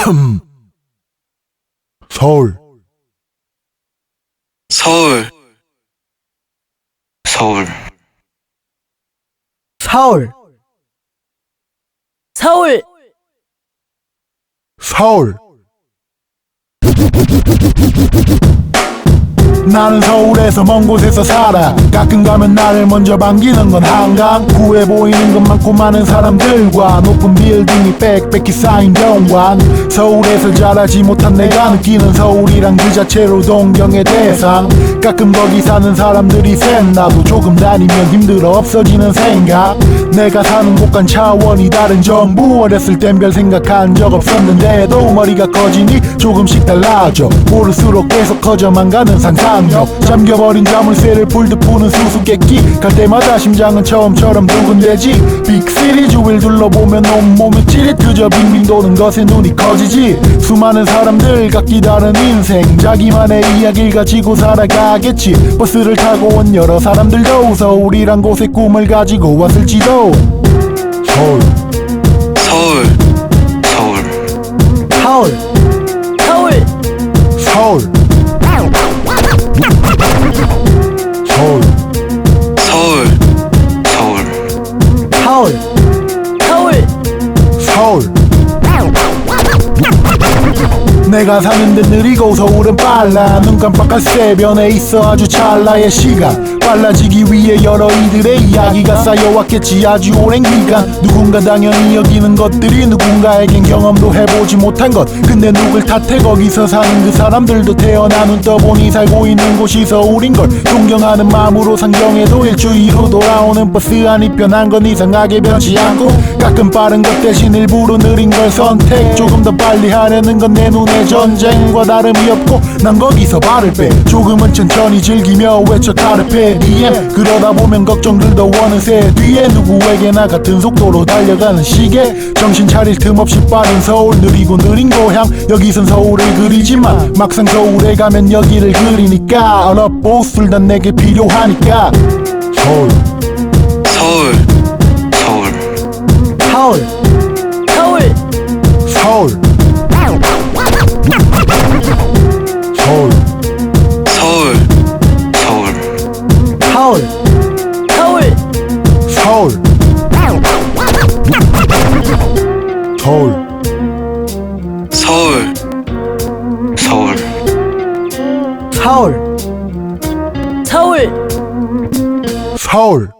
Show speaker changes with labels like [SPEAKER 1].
[SPEAKER 1] 서울
[SPEAKER 2] 서울 서울
[SPEAKER 3] 서울 서울
[SPEAKER 1] 서울 나는 서울에서 먼 곳에서 살아. 가끔 가면 나를 먼저 반기는 건 한강. 구해 보이는 것 많고 많은 사람들과 높은 빌딩이 빽빽히 쌓인 경관. 서울에서 자라지 못한 내가 느끼는 서울이란 그 자체로 동경의 대상. 가끔 거기 사는 사람들이 센 나도 조금 다니면 힘들어 없어지는 생각. 내가 사는 곳과는 차원이 다른 정부. 어렸을 땐 별 생각한 적 없었는데도 머리가 커지니 조금씩 달라져. 모를수록 계속 커져만 가는 상상력. 잠겨버린 자물쇠를 풀듯 푸는 수수께끼. 갈 때마다 심장은 처음처럼 두근대지. 빅시리 주위를 둘러보면 온몸이 찌릿. 그저 빙빙 도는 것에 눈이 커지지. 수많은 사람들 각기 다른 인생. 자기만의 이야기를 가지고 살아가겠지. 버스를 타고 온 여러 사람들도 서울이란 곳에 꿈을 가지고 왔을지도. 서울
[SPEAKER 2] 서울 서울
[SPEAKER 3] 서울 서울
[SPEAKER 1] 서울 서울
[SPEAKER 2] 서울
[SPEAKER 3] 서울 서울
[SPEAKER 1] 서울 내가 사는 데 느리고 서울은 빨라. 눈 깜빡할 새변에 있어 아주 찰나의 시간. 빨라지기 위해 여러 이들의 이야기가 쌓여왔겠지 아주 오랜 기간. 누군가 당연히 여기는 것들이 누군가에겐 경험도 해보지 못한 것. 근데 누굴 탓해. 거기서 사는 그 사람들도 태어나 눈 떠보니 살고 있는 곳이 서울인걸. 존경하는 마음으로 상경해도 일주일 후 돌아오는 버스 안이 편한 건 이상하게 변치 않고. 가끔 빠른 것 대신 일부러 느린 걸 선택. 조금 더 빨리 하려는 건 내 눈에 전쟁과 다름이 없고 난 거기서 발을 빼. 조금은 천천히 즐기며 외쳐 카르페 디엠. 그러다 보면 걱정들도 어느새 뒤에. 누구에게나 같은 속도로 달려가는 시계. 정신 차릴 틈 없이 빠른 서울. 느리고 느린 고향. 여기선 서울을 그리지만 막상 서울에 가면 여기를 그리니까. 얼어보술 난 내게 필요하니까. 서울
[SPEAKER 2] 서울 서울
[SPEAKER 3] 서울 서울
[SPEAKER 1] 서울 서울
[SPEAKER 2] 서울
[SPEAKER 3] 서울 서울
[SPEAKER 1] 서울 서울
[SPEAKER 2] 서울 서울
[SPEAKER 3] 서울 서울
[SPEAKER 1] 서울